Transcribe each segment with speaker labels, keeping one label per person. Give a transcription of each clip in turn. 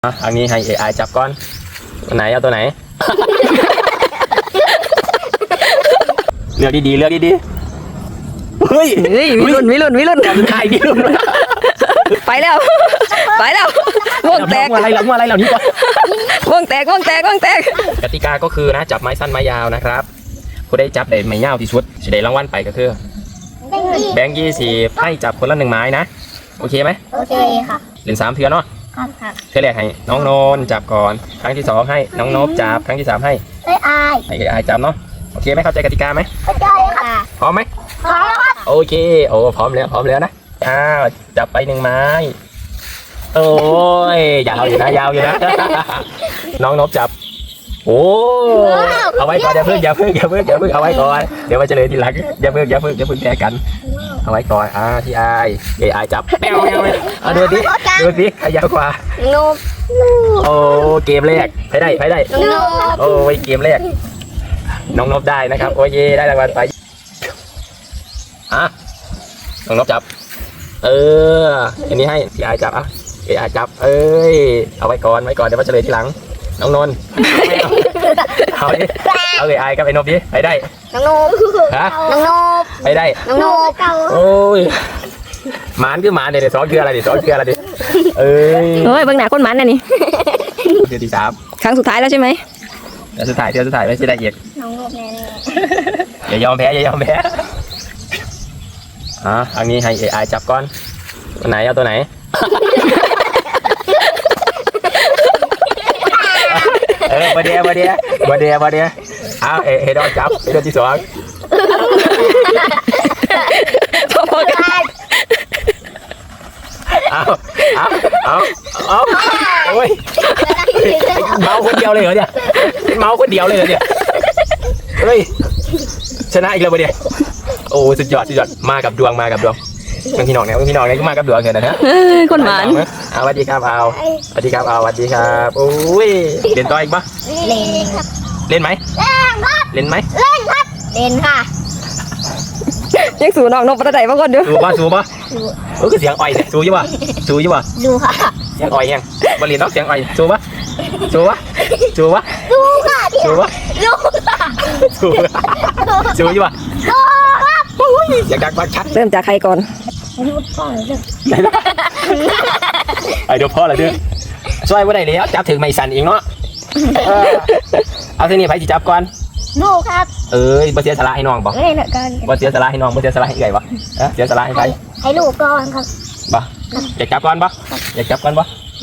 Speaker 1: อันนี้ให้ AI จับก่อนตัวไหนเอาตัวไหน เลือกดีๆเลือกดีๆเฮ้ย
Speaker 2: วิรุณ
Speaker 1: ถ่ายดิลุน
Speaker 2: ไปแล้ววงแตก
Speaker 1: อะไรเหล่านี้ก่อน
Speaker 2: วงแตก
Speaker 1: กติกาก็คือนะจับไม้สั้นไม้ยาวนะครับผู้ได้จับได้ไม้ยาวที่สุดจะได้รางวัลไปก็คือแบงค์20ให้จับคนละ1ไม้นะโอเคไหม
Speaker 3: โอเคค่ะ
Speaker 1: เล่น3เทื่อเนาะ
Speaker 3: ครับ
Speaker 1: เทื่อแรกให้น้องโนนจับก่อนครั้งที่2ให้น้องนบจับครั้งที่3ให้
Speaker 3: ไอ้
Speaker 1: AI จับเนาะโอเคไหมเข้าใจกติกาไหม
Speaker 3: เข้าใจค่ะ
Speaker 1: พร้อมไหม
Speaker 3: พร้อมแล้วครับ
Speaker 1: โอเคโอ้พร้อมแล้วนะจับไป1ไม้โอ้ยยาวอยู่นะน้องนบจับโอ้เอาไว้ก่อนอย่าเพิ่งเอาไว้ก่อนเดี๋ยวมาเฉลยทีหลังอย่าเพิ่งแพ้กันเอาไว้ก่อนที่AI จับแมวดูสิใครยาวกว่า
Speaker 3: โน
Speaker 1: โอ้เกมแรกไปได้โอ้ยเกมแรกน้องนบได้นะครับโอ้ยได้รางวัลไปน้องนบจับอันนี้ให้AI จับAI จับเอาไว้ก่อนเดี๋ยวมาเฉลยทีหลังน้องนนท์เอาAI กับไอ้นบดิไปได้
Speaker 3: น้องโน
Speaker 1: ไปได้
Speaker 3: น้องโน
Speaker 1: โอ้ยหมานคือหมานเดี๋ยวซ้อนคืออะไรดิ
Speaker 2: เฮ้ยเบื้องหน้าคนหมันน่ะนี่
Speaker 1: เทื่อที่3
Speaker 2: ครั้งสุดท้ายแล้วใช่ไหม
Speaker 1: เทื่อสุดท้ายไม่ใช่ได้อีก
Speaker 3: น้องโนแน่
Speaker 1: อย่ายอมแพ้อันนี้ให้ AI จับก่อนตัวไหนเอาตัวไหนมาเดียเอาเฮดอนจับเฮดอนที่2เอาโอ้ยเมาคนเดียวเลยเหรอเนี่ยเฮ้ยชนะอีกแล้วมาเดียโอ้สุดยอดมากับดวงพี่น้องเนี่ยก็มากับดวงเลยนะฮะ
Speaker 2: คนหวาน
Speaker 1: สวัสดีครับสวัสดีครับโอ้ยเล่นต่ออีกปะเล่นไหมเล่น
Speaker 3: ค่ะ
Speaker 2: ยังสูน้องนบประไดมาก่อนเด้อ
Speaker 1: สูปะก็เสียงอ่อยเนี่ยสูอยู่ปะ
Speaker 3: ดูค่ะ
Speaker 1: เสียงอ่อยยังบริเวณนอกเสียงอ่อยสูปะ
Speaker 3: ดูค่ะ
Speaker 1: สูปะสูอยู่ปะอยากดักบักชัด
Speaker 2: เริ่มจากใครก่อน
Speaker 1: เดี๋ยวพ่อเลยเด้อช่วยว่าได้แล้วจับถึงไม่สั่นเองเนาะเอาทีนี้ไปสิจับก่อน
Speaker 3: โนครับ
Speaker 1: บ่เสียสละให้น้องบ่บ่เสียสละให้น้องบ่เสียสละให้ไก่บ่เสียสละให้ใคร
Speaker 3: ให้ลูกก่อนครับ
Speaker 1: บ่อยากจับก่อนบ่เฮ้ยอยากจับบ่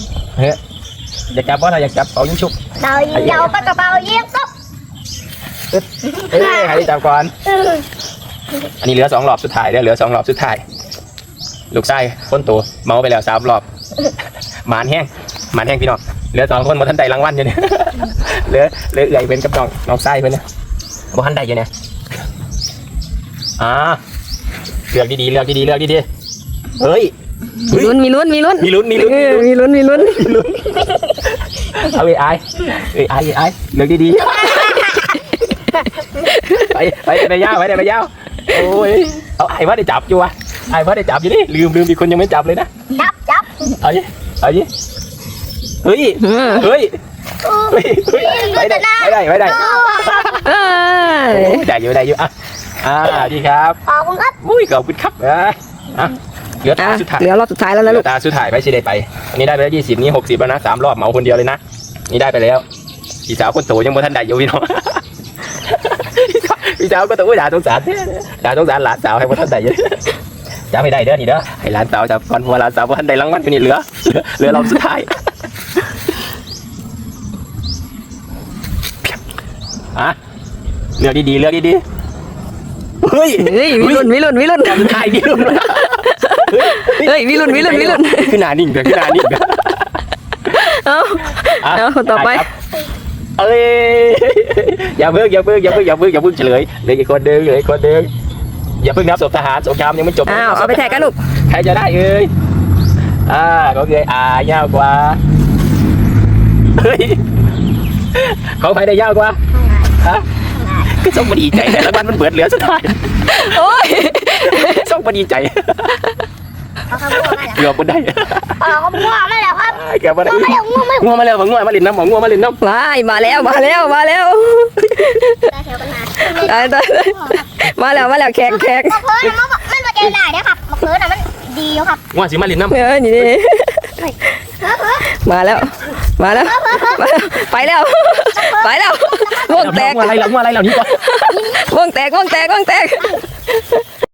Speaker 1: ถ้าอยากจับเอายิงชุบ
Speaker 3: เดาปากกระเป๋ายิงตุ๊บ
Speaker 1: ให้จับก่อนอันนี้เหลือ2รอบสุดท้ายลูกไส้คนโตเมาไปแล้ว3รอบหมานแห้งพี่น้องเหลือ2คนบ่ทันได้รางวัลอยู่เนี่ยเหลือเอื่อยเป็นกับน้องไส้เพิ่นเนี่ยบ่ทันได้อยู่เนี่ยเลือกดีเฮ้ย
Speaker 2: มีลุ้น
Speaker 1: เอาAIเลือกดีไปยาวโอ้ยเอาไอ้ว่าได้จับอยู่วะนี่ลืมมีคนยังไม่จับเลยนะ
Speaker 3: จับ
Speaker 1: เอาดิเฮ้ยไปได้ได้อยู่ดีครับ
Speaker 3: ขอบคุณครับ
Speaker 1: ขอบคุณครับเหลือสุดท้าย
Speaker 2: รอบสุดท้ายแล้วนะลูก
Speaker 1: ตาสุดท้ายไปสิได้ไปอันนี้ได้ไปแล้ว20นี่60แล้วนะ3รอบเหมาคนเดียวเลยนะนี่ได้ไปแล้วพี่สาวคนโตยังบ่ทันได้อยู่พี่น้องพี่สาวก็ต้องด่าสงสารหลานสาวให้บ่ทันได้อยู่จะไม่ได้เด้อนี่เด้อให้หลานสาวจับก่อนเพราะหลานสาวบ่ทันได้รางวัลอยู่นี่เหลือรอบสุดท้ายเลือกดีเฮ้ย
Speaker 2: วิรุณ
Speaker 1: ถ่ายดิลุน
Speaker 2: เฮ้ยวิรุณ
Speaker 1: ขึ้นหน้านิ่ง
Speaker 2: เอาต่อไป
Speaker 1: อย่าเพิ่งเฉลยเหลืออีกคนนึงอย่าเพิ่งนับศพทหารสงครามยังไม่จบ
Speaker 2: เอาไปแทกกันลูก
Speaker 1: ใครจะได้ก็คือยาวกว่าเฮ้ยของใครได้ยาวกว่าก็ส่งมาดีใจแต่ละวันมันเบิดเหลือสุดท้าย
Speaker 2: โอ้ย
Speaker 1: ส่งมาดีใจ
Speaker 3: ครับง่วงมาแล้ว
Speaker 1: เกือบบ่ได้
Speaker 3: ครับง่วงมาแล้วครับ
Speaker 1: เกือบบ่ได้
Speaker 3: ง่วงมาแล้วง่วงไม่
Speaker 1: ง่วงมาแล้วง่วงมาลินน้ำง่วงมาลินน้ำ
Speaker 2: มาแล้วมาแล้วมาแล้ว
Speaker 3: แถวกันมา
Speaker 2: มาแล้วแขก
Speaker 3: มะเขือน่ะมันมาเจอหน้าเนี่ยครับมะเขือน่ะมันดีอยู่ครับ
Speaker 1: ง่วงสิมาลินน้ำ
Speaker 2: นี่ มาแล้วไปแล้ววงแตก
Speaker 1: ง่วงอะไรแล้วนี่ก่อน
Speaker 2: วงแตก